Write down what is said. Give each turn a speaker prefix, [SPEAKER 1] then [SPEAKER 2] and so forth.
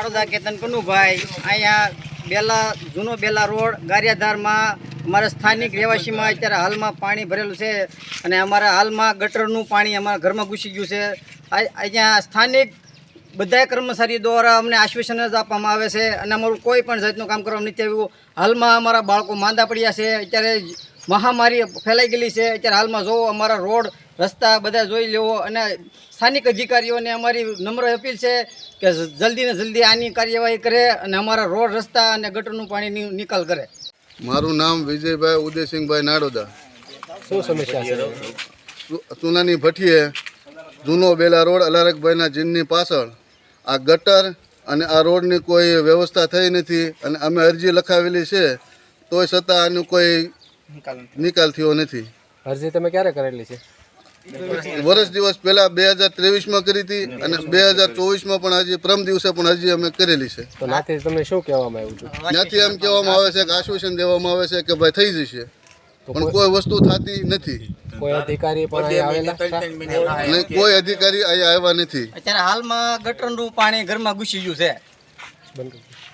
[SPEAKER 1] નારોદા કેતન કનુભાઈ અહીંયા જૂનો બેલા રોડ ગારિયાધારમાં અમારા સ્થાનિક રહેવાસીમાં અત્યારે હાલમાં પાણી ભરેલું છે અને અમારા હાલમાં ગટરનું પાણી અમારા ઘરમાં ઘૂસી ગયું છે. અહીંયા સ્થાનિક બધા કર્મચારી દ્વારા અમને આશ્વાસન જ આપવામાં આવે છે અને અમારું કોઈ પણ જાતનું કામ કરવામાં નથી આવ્યું. હાલમાં અમારા બાળકો માંદા પડ્યા છે. અત્યારે મહામારી ફેલાઈ ગયેલી છે. અત્યારે હાલમાં જોવો અમારા રોડ રસ્તા બધા જોઈ લેવો અને સ્થાનિક અધિકારીઓને અમારી નમ્ર અપીલ છે કે જલ્દી ને જલ્દી આની કાર્યવાહી કરે અને અમારા રોડ રસ્તા અને ગટરનું પાણી નિકાલ કરે.
[SPEAKER 2] મારું નામ વિજયભાઈ ઉદયસિંહભાઈ નારોદા.
[SPEAKER 3] શું સમસ્યા છે?
[SPEAKER 2] ચૂનાની ભઠ્ઠીએ જૂનો બેલા રોડ અલારકભાઈના જીનની પાછળ આ ગટર અને આ રોડની કોઈ વ્યવસ્થા થઈ નથી અને અમે અરજી લખાવેલી છે તોય છતાં આનું કોઈ નિકાલ થયો નથી.
[SPEAKER 3] અરજી તમે ક્યારે કરેલી છે?
[SPEAKER 2] વર્ષ દિવસ પહેલા 2023માં કરી હતી અને 2024માં પણ હજી પ્રમ દિવસે પણ અરજી અમે કરેલી છે.
[SPEAKER 3] તો નાથી તમને શું કહેવામાં આવ્યું છે?
[SPEAKER 2] ત્યાંથી એમ કહેવામાં આવે છે કે આશ્વાસન દેવામાં આવે છે કે ભાઈ થઈ જશે, પણ કોઈ વસ્તુ થતી નથી.
[SPEAKER 3] કોઈ અધિકારી પણ અહીંયા આવેલા?
[SPEAKER 2] અને કોઈ અધિકારી અહીંયા આવ્યા નથી.
[SPEAKER 1] અત્યારે હાલમાં ગટરનું પાણી ઘરમાં ઘૂસી ગયું છે.
[SPEAKER 3] બંધ